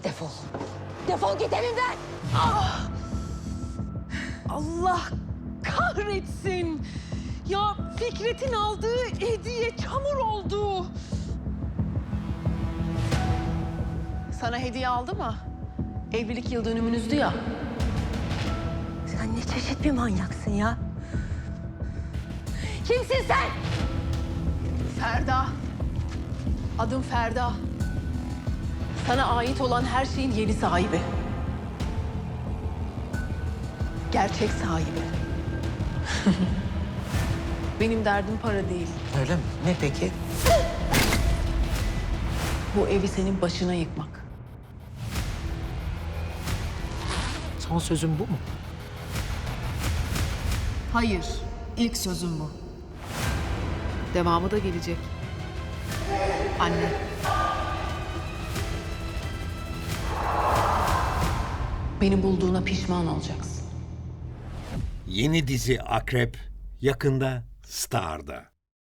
Defol. Defol git evimden. Ah! Allah kahretsin. Ya Fikret'in aldığı hediye çamur oldu. Sana hediye aldı mı? Evlilik yıl dönümünüzdü ya. Sen ne çeşit bir manyaksın ya? Kimsin sen? Ferda. Adım Ferda. Sana ait olan her şeyin yeni sahibi. Gerçek sahibi. Benim derdim para değil. Öyle mi? Ne peki? Bu evi senin başına yıkmak. Son sözün bu mu? Hayır, ilk sözüm bu. Devamı da gelecek. Anne. Beni bulduğuna pişman olacaksın. Yeni dizi Akrep yakında Star'da.